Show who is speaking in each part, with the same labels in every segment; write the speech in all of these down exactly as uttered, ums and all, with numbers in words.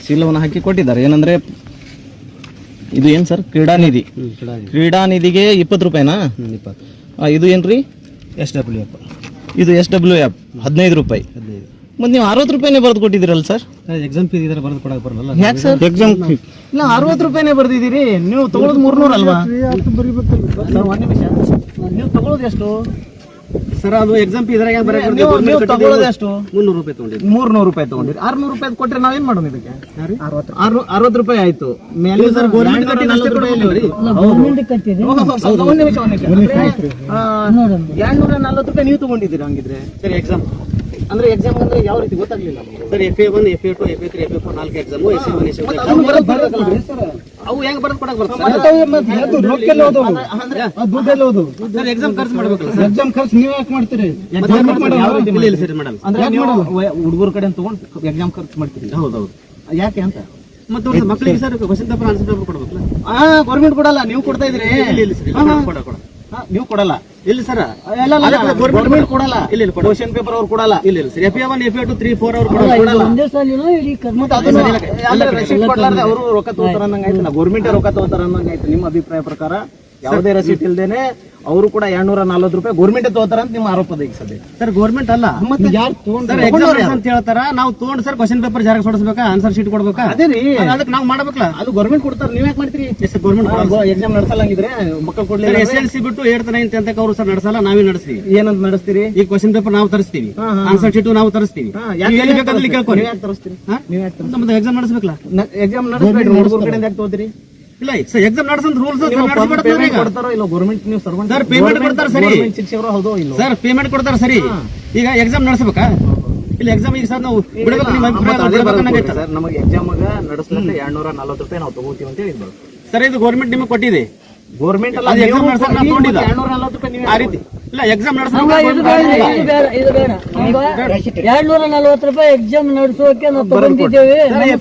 Speaker 1: ಚೀಲವನ್ನು ಹಾಕಿ ಕೊಟ್ಟಿದ್ದಾರೆ. ಏನಂದ್ರೆ ಇದು ಏನು ಸರ್, ಕ್ರೀಡಾ ನಿಧಿ. ಕ್ರೀಡಾ ನಿಧಿಗೆ ಇಪ್ಪತ್ತು ರೂಪಾಯಿನಾ?
Speaker 2: ಇಪ್ಪತ್ತು.
Speaker 1: ಇದು ಏನ್ರಿ?
Speaker 2: S W F.
Speaker 1: ಇದು ಎಸ್ ಡಬ್ಲ್ಯೂ ಎಫ್ ಹದಿನೈದು ರೂಪಾಯಿ.
Speaker 2: ಹದಿನೈದು.
Speaker 1: ಮತ್ತೆ ನೀವು ಅರವತ್ತು ರೂಪಾಯಿನೇ ಬರೆದು ಕೊಟ್ಟಿದ್ದೀರಲ್ಲ ಸರ್?
Speaker 2: ಎಕ್ಸಾಮ್ ಫೀಸ್ ಇದ್ರೆ ಬರೆದು ಕೊಡಕ್ಕೆ ಬರಲ್ಲ.
Speaker 1: ಯಾಕೆ ಸರ್ ಎಕ್ಸಾಮ್ ಫೀಸ್? ಇಲ್ಲ, ಅರವತ್ತು ರೂಪಾಯಿನೇ ಬರ್ದಿದ್ದೀರಿ. ನೀವು ತಗೊಳ್ಳೋದು ಮೂರ್ನೂರು ಅಲ್ವಾ? ನೀವು ತಗೊಳ್ಳೋದು ಎಷ್ಟು
Speaker 2: ಸರ್? ಅದು ಎಕ್ಸಾಮ್ ಫೀಸ್ ಇದ್ರಾಗ
Speaker 1: ನೀವು ತಗೊಳ್ಳೋದು ಎಷ್ಟು?
Speaker 2: ಮುನ್ನೂರು ರೂಪಾಯಿ ತಗೊಂಡಿದ್ದೆ.
Speaker 1: ಮೂರ್ನೂರು ರೂಪಾಯಿ ತಗೊಂಡಿರಿ. ಆರ್ನೂರು ರೂಪಾಯಿ ಕೊಟ್ಟರೆ ನಾವೇನ್ ಮಾಡೋಣ ಇದಕ್ಕೆ? ಅರವತ್ತು ರೂಪಾಯಿ ಆಯ್ತು. ಮೇಲೆ
Speaker 2: ಸರ್ ಗೌರ್ಮೆಂಟ್ ನಲವತ್ತು ರೂಪಾಯಿ
Speaker 1: ಎರಡ್ನೂರ ನಲ್ವತ್ತು ರೂಪಾಯಿ ನೀವು ತಗೊಂಡಿದ್ದೀರಾ ಹಂಗಿದ್ರೆ?
Speaker 2: ಸರ್ ಎಕ್ಸಾಮ್
Speaker 1: ಅಂದ್ರೆ ಎಕ್ಸಾಮ್ ಅಂದ್ರೆ ಯಾವ ರೀತಿ ಗೊತ್ತಾಗ್ಲಿಲ್ಲ
Speaker 2: sir. F A one, F A two, F A three, F A four ನಾಲ್ಕು exam. S A one, S A two
Speaker 1: ಅವು ಹೆಂಗ್ ಬರೆದು ಕೊಡಕ್ ಬರ್ತದೆ?
Speaker 2: ಸರ್ ಎಕ್ಸಾಮ್ ಖರ್ಚು ಮಾಡ್ಬೇಕಲ್ಲ ಸರ್?
Speaker 1: ಎಕ್ಸಾಮ್ ಖರ್ಚು ನೀವು ಯಾಕೆ ಮಾಡ್ತೀರಿ? ಹುಡುಗರ ಕಡೆ ತಗೊಂಡು ಎಕ್ಸಾಮ್ ಖರ್ಚು ಮಾಡ್ತೀರಿ?
Speaker 2: ಹೌದೌದು.
Speaker 1: ಯಾಕೆ ಅಂತ?
Speaker 2: ಮತ್ತೆ ಮಕ್ಕಳಿಗೆ sir question paper answer paper ಕೊಡ್ಬೇಕಲ್ಲ?
Speaker 1: ಹಾ, ಗೌರ್ಮೆಂಟ್ ಕೊಡಲ್ಲ, ನೀವು ಕೊಡ್ತಾ ಇದ್ರಿ. ನೀವು ಕೊಡಲ್ಲ?
Speaker 2: ಇಲ್ಲ ಸರ್,
Speaker 1: ಗೌರ್ಮೆಂಟ್ ಕೊಡಲ್ಲ.
Speaker 2: ಇಲ್ಲ
Speaker 1: ಕ್ವಶನ್ ಪೇಪರ್ ಅವ್ರು ಕೊಡಲ್ಲ.
Speaker 2: ಇಲ್ಲ ಇಲ್ಲ sir. F A one, F A two, three, four ಅವ್ರು ಕೊಡಲ್ಲ.
Speaker 1: ರಸೀಟ್ ಕೊಡ್ಲಾರ್ದೆ ಅವರು ರೊಕ್ಕ ತಗೋತಾರ ಅನ್ನಂಗ ಆಯ್ತು. ಗೌರ್ಮೆಂಟ್ ರೊಕ್ಕ ತಗೋತಾರ ಅನ್ನಂಗ ಆಯ್ತು. ನಿಮ್ಮ ಅಭಿಪ್ರಾಯ ಪ್ರಕಾರ ಯಾವುದೇ ರಸೀಟ್ ಇಲ್ದೇನೆ ಅವರು ಕೂಡ ಎರಡ್ನೂರ ನಲ್ವತ್ತು ರೂಪಾಯಿ ಗೌರ್ಮೆಂಟ್ ತಗೋತಾರ ಅಂತ ನಿಮ್ಮ ಆರೋಪ ಈಗ ಸದ್ಯ.
Speaker 2: ಸರ್ ಗೌರ್ಮೆಂಟ್ ಅಲ್ಲ,
Speaker 1: ಮತ್ತೆ ಯಾರು
Speaker 2: ಅಂತ ಹೇಳ್ತಾರ. ನಾವು ತಗೊಂಡ್ ಸರ್ ಕ್ವಶನ್ ಪೇಪರ್ ಜೆರಾಕ್ಸ್ ಹೊಡಿಸ್ಬೇಕಾ, ಆನ್ಸರ್ ಶೀಟ್ ಕೊಡ್ಬೇಕಾ?
Speaker 1: ಅದೇ ರೀ,
Speaker 2: ಅದಕ್ಕೆ ನಾವು ಮಾಡ್ಬೇಕಲ್ಲ.
Speaker 1: ಅದು ಗೌರ್ಮೆಂಟ್ ಕೊಡ್ತಾರೆ, ನೀವ್ ಯಾಕೆ ಮಾಡ್ತೀರಿ?
Speaker 2: ಗೌರ್ಮೆಂಟ್
Speaker 1: ಎಕ್ಸಾಮ್ ನಡೆಸಲ್ಲಂಗಿದ್ರೆ ಮಕ್ಕಳು ಕೊಡ್ಲಿ.
Speaker 2: ಎಸ್ ಎಲ್ ಸಿ ಬಿಟ್ಟು ಏಳ್ತ್ ನೈನ್ತ್ ಅಂತ ಅವರು ಸರ್ ನಡೆಸಲ್ಲ, ನಾವೇ ನಡೆಸ್ತೀವಿ.
Speaker 1: ಏನಂತ ನಡೆಸ್ತೀರಿ?
Speaker 2: ಈ ಕ್ವಶನ್ ಪೇಪರ್ ನಾವು ತರಿಸ್ತೀವಿ, ಆನ್ಸರ್ ಶೀಟ್ ನಾವು ತರಿಸ್ತೀವಿ. ಎಲ್ಲಿ ಬೇಕಾದಲ್ಲಿ ಕೇಳ್ಕೊಂಡು
Speaker 1: ಯಾಕೆ ತರಿಸ್ತೀರಿ?
Speaker 2: ನಮ್ದು ಎಕ್ಸಾಮ್ ನಡೆಸಬೇಕಲ್ಲ.
Speaker 1: ಎಕ್ಸಾಮ್ ನಡೆಸಬೇಡಿ, ಹುಡುಗರ ಕಡೆಯಿಂದ ಯಾಕೆ ತಗೋತೀರಿ?
Speaker 2: ಇಲ್ಲ ಸರ್, ಎಕ್ಸಾಮ್ ನಡೆಸಂತ ರೂಲ್ಸ್
Speaker 1: ಕೊಡ್ತಾರೋ ಇಲ್ಲ ಗೌರ್ಮೆಂಟ್? ನೀವು ಸರ್ವೆಂಟ್
Speaker 2: ಸರ್, ಪೇಮೆಂಟ್ ಕೊಡ್ತಾರೆ ಸರಿ.
Speaker 1: ಶಿಕ್ಷಕರು ಹೌದೋ ಇಲ್ಲ
Speaker 2: ಸರ್, ಪೇಮೆಂಟ್ ಕೊಡ್ತಾರೆ ಸರಿ. ಈಗ ಎಕ್ಸಾಮ್ ನಡೆಸಬೇಕಾ? ಇಲ್ಲ ಎಕ್ಸಾಮ್ ಈಗ ಸರ್ ನಾವು ಬಿಡಬೇಕು.
Speaker 1: ಸರ್ ನಮಗೆ ಎಕ್ಸಾಮ್ ನಡೆಸಲಿಕ್ಕೆ ಎರಡ್ನೂರ ನಲ್ವತ್ತು ರೂಪಾಯಿ ನಾವು ತಗೋತೀವಿ ಅಂತ ಹೇಳಿದ್ರು
Speaker 2: ಸರ್. ಇದು ಗೌರ್ಮೆಂಟ್ ನಿಮಗೆ ಕೊಟ್ಟಿದೆ.
Speaker 1: ಗೌರ್ಮೆಂಟ್ ಅಲ್ಲ,
Speaker 2: ಎಕ್ಸಾಮ್ ನಡೆಸಕ್ಕೆ ನಾವು ತಗೊಂಡಿದ್ದ
Speaker 1: ಎರಡ್ನೂರ ನಲ್ವತ್ತು ರೂಪಾಯಿ
Speaker 2: ಆ ರೀತಿ. ಇಲ್ಲ ಎಕ್ಸಾಮ್
Speaker 3: ಎರಡ್ನೂರ ನಲ್ವತ್ತು ರೂಪಾಯಿ ಎಕ್ಸಾಮ್ ನಡೆಸೋಕೆ ನಾವು ತಗೊಂಡಿದ್ದೇವೆ.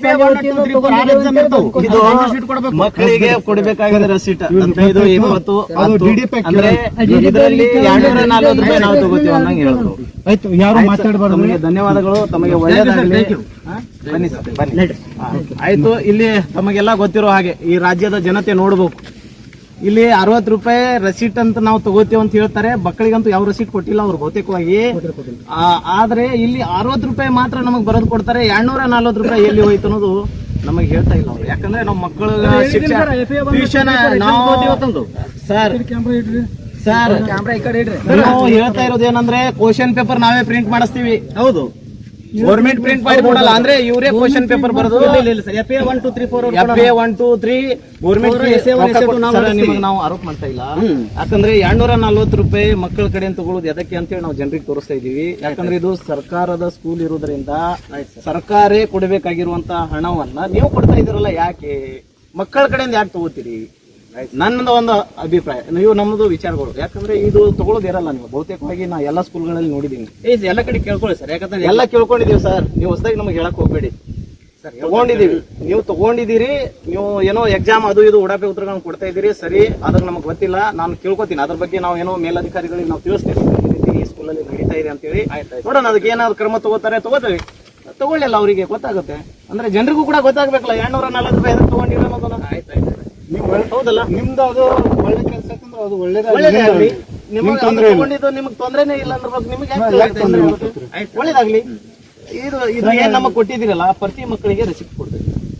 Speaker 1: ಮಕ್ಕಳಿಗೆ ಕೊಡಬೇಕಾಗಿದೆ ರಸೀಟ್ ಹದಿನೈದು ಇಪ್ಪತ್ತು ಅಂದ್ರೆ ಇದರಲ್ಲಿ ಎರಡ್ನೂರ ನಲ್ವತ್ತು ರೂಪಾಯಿ ನಾವು ತಗೋತೀವಿ ಅನ್ನಂಗೆ ಹೇಳಿದ್ರು.
Speaker 2: ಆಯ್ತು, ಯಾರು ಮಾತಾಡಬಾರ್ದು.
Speaker 1: ತಮಗೆ ಧನ್ಯವಾದಗಳು, ತಮಗೆ ಒಳ್ಳೆಯದಾಗಲಿ. ಬನ್ನಿ ಸರ್, ಬನ್ನಿ. ಆಯ್ತು, ಇಲ್ಲಿ ತಮಗೆಲ್ಲ ಗೊತ್ತಿರೋ ಹಾಗೆ ಈ ರಾಜ್ಯದ ಜನತೆ ನೋಡ್ಬೇಕು. ಇಲ್ಲಿ ಅರವತ್ತು ರೂಪಾಯಿ ರಸೀಟ್ ಅಂತ ನಾವು ತಗೋತೀವಿ ಅಂತ ಹೇಳ್ತಾರೆ. ಮಕ್ಕಳಿಗಂತೂ ಯಾವ ರಸೀಟ್ ಕೊಟ್ಟಿಲ್ಲ ಅವ್ರು ಬಹುತೇಕವಾಗಿ. ಆದ್ರೆ ಇಲ್ಲಿ ಅರವತ್ತು ರೂಪಾಯಿ ಮಾತ್ರ ನಮಗ್ ಬರೋದು ಕೊಡ್ತಾರೆ. ಎರಡ್ನೂರ ನಲ್ವತ್ತು ರೂಪಾಯಿ ಎಲ್ಲಿ ಹೋಯ್ತು ಅನ್ನೋದು ನಮಗೆ ಹೇಳ್ತಾ ಇಲ್ಲ ಅವ್ರು. ಯಾಕಂದ್ರೆ ನಮ್ಮ ಮಕ್ಕಳ ಶಿಕ್ಷಣ ಟ್ಯೂಷನ್ ನಾವು ಸರ್ ಸರ್ ನಾವು ಹೇಳ್ತಾ ಇರೋದು ಏನಂದ್ರೆ ಕ್ವಶನ್ ಪೇಪರ್ ನಾವೇ ಪ್ರಿಂಟ್ ಮಾಡಿಸ್ತೀವಿ. ಹೌದು, ಗೌರ್ಮೆಂಟ್ ಪ್ರಿಂಟ್ ಮಾಡಿ ಕೊಡಲ್ಲ. ಅಂದ್ರೆ ಇವರೇ ಕ್ವಶನ್ ಪೇಪರ್ ಬರೋದು.
Speaker 2: F A one two three four
Speaker 1: F A one two three government ನಿಮಗೆ ನಾವು ಆರೋಪ ಮಾಡ್ತಾ ಇಲ್ಲ. ಯಾಕಂದ್ರೆ ಎರಡ್ನೂರ ನಲ್ವತ್ತು ರೂಪಾಯಿ ಮಕ್ಕಳ ಕಡೆ ತಗೊಳ್ಳೋದು ಎದಕ್ಕೆ ಅಂತೇಳಿ ನಾವು ಜನರಿಗೆ ತೋರಿಸ್ತಾ ಇದೀವಿ. ಯಾಕಂದ್ರೆ ಇದು ಸರ್ಕಾರದ ಸ್ಕೂಲ್ ಇರೋದ್ರಿಂದ ಸರ್ಕಾರೇ ಕೊಡಬೇಕಾಗಿರುವಂತಹ ಹಣವನ್ನ ನೀವು ಕೊಡ್ತಾ ಇದೀರಲ್ಲ, ಯಾಕೆ ಮಕ್ಕಳ ಕಡೆಯಿಂದ ಯಾಕೆ ತಗೋತೀರಿ? ನನ್ನದು ಒಂದು ಅಭಿಪ್ರಾಯ, ನೀವು ನಮ್ಮದು ವಿಚಾರಗಳು. ಯಾಕಂದ್ರೆ ಇದು ತಗೊಳ್ಳೋದು ಇರಲ್ಲ. ನೀವು ಬಹುತೇಕವಾಗಿ ನಾ ಎಲ್ಲಾ ಸ್ಕೂಲ್ಗಳಲ್ಲಿ ನೋಡಿದೀನಿ.
Speaker 2: ಎಲ್ಲ ಕಡೆ ಕೇಳ್ಕೊಳ್ಳಿ ಸರ್. ಯಾಕಂದ್ರೆ
Speaker 1: ಎಲ್ಲ ಕೇಳ್ಕೊಂಡಿದೀವಿ ಸರ್. ನೀವು ಹೊಸದಾಗಿ ನಮಗೆ ಹೇಳಕ್ ಹೋಗ್ಬೇಡಿ. ತಗೊಂಡಿದೀವಿ, ನೀವು ತಗೊಂಡಿದ್ದೀರಿ. ನೀವು ಏನೋ ಎಕ್ಸಾಮ್ ಅದು ಇದು ಉಡಾಪೆ ಉತ್ತರಗಳನ್ನು ಕೊಡ್ತಾ ಇದ್ದೀರಿ ಸರಿ. ಅದ್ರ ನಮ್ಗೆ ಗೊತ್ತಿಲ್ಲ, ನಾನು ಕೇಳ್ಕೊತೀನಿ. ಅದ್ರ ಬಗ್ಗೆ ನಾವು ಏನೋ ಮೇಲಧಿಕಾರಿಗಳಿಗೆ ನಾವು ತಿಳಿಸ್ತೇವೆ ಈ ರೀತಿ ಈ ಸ್ಕೂಲಲ್ಲಿ ನಡೀತಾ ಇದೆ ಅಂತ ಹೇಳಿ. ನೋಡೋಣ ಅದಕ್ಕೆ ಏನಾದ್ರು ಕ್ರಮ ತಗೋತಾರೆ, ತಗೋತೀವಿ. ತಗೊಳ್ಳಿಲ್ಲ ಅವರಿಗೆ ಗೊತ್ತಾಗುತ್ತೆ. ಅಂದ್ರೆ ಜನರಿಗೂ ಕೂಡ ಗೊತ್ತಾಗ್ಬೇಕಲ್ಲ ಎರಡ್ನೂರ ನಲ್ವತ್ತು ರೂಪಾಯಿ ಎದಕ್ಕೆ ತಗೊಂಡಿರೋ ಅನ್ನೋದನ್ನ. ಆಯ್ತಾಯ್ತು, ಹೌದಲ್ಲ, ನಿಮ್ದು ಅದು ಒಳ್ಳೆ ಕೆಲಸ. ಅದು ಒಳ್ಳೇದಾಗ್ಲಿ. ನಿಮಗೆ ತಗೊಂಡಿದ್ದು ನಿಮ್ಗೆ ತೊಂದ್ರೆನೇ ಇಲ್ಲ ಅಂದ್ರೆ ನಿಮ್ಗೆ ಒಳ್ಳೇದಾಗ್ಲಿ. ಇದು ಇದು ಏನ್ ನಮಗ್ ಕೊಟ್ಟಿದ್ದೀರಲ್ಲ, ಪ್ರತಿ ಮಕ್ಕಳಿಗೆ ರೆಸಿಪ್ಟ್ ಕೊಡ್ತೀವಿ.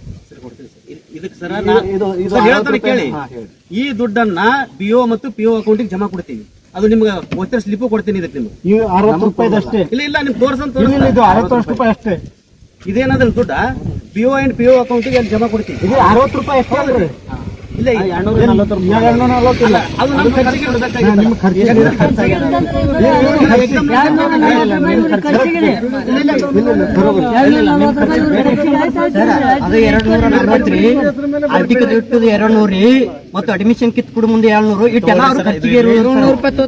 Speaker 2: ಇದಕ್ಕೆ ಸರ್ ಕೇಳಿ, ಈ ದುಡ್ಡನ್ನ ಪಿಒ ಮತ್ತು ಪಿಒ ಅಕೌಂಟಿಗೆ ಜಮಾ ಕೊಡ್ತೀವಿ. ಅದು ನಿಮ್ಗೆ ವೋಚರ್ ಸ್ಲಿಪ್ ಕೊಡ್ತೀನಿ. ಇದಕ್ಕೆ ನಿಮ್ಗೆ
Speaker 1: ಅರವತ್ತು ರೂಪಾಯಿ ಅಷ್ಟೇ.
Speaker 2: ಇಲ್ಲ ಇಲ್ಲ ನಿಮ್ಗೆ ತೋರ್ಸಂತ
Speaker 1: ಅರವತ್ತು ರೂಪಾಯಿ ಅಷ್ಟೇ.
Speaker 2: ಇದೇನಾದ್ರೆ ದುಡ್ಡ ಪಿಒ ಅಂಡ್ ಪಿಒ ಅಕೌಂಟಿಗೆ ಅಲ್ಲಿ ಜಮಾ ಕೊಡ್ತೀವಿ.
Speaker 1: ಇದು ಅರವತ್ತು ರೂಪಾಯಿ ಅಷ್ಟೇ ಅಲ್ರಿ? ಇಲ್ಲ, ಎರಡ್ನೂರ ನಲ್ವತ್ತು ಇಲ್ಲ. ಅದು ನಮ್ಮ ಖರ್ಚಿಗೆ
Speaker 3: ಅದು ಎರಡು ನೂರ ನಲ್ವತ್ತ್ರಿ ಆರ್ಥಿಕ ದುಡ್ಡು ಎರಡು ನೂರಿ ಮತ್ತು ಅಡ್ಮಿಷನ್ ಕಿತ್ ಕೊಡು ಮುಂದೆ ಏಳ್ನೂರು ಇಟ್ಟೆಲ್ಲ ಖರ್ಚಿಗೆ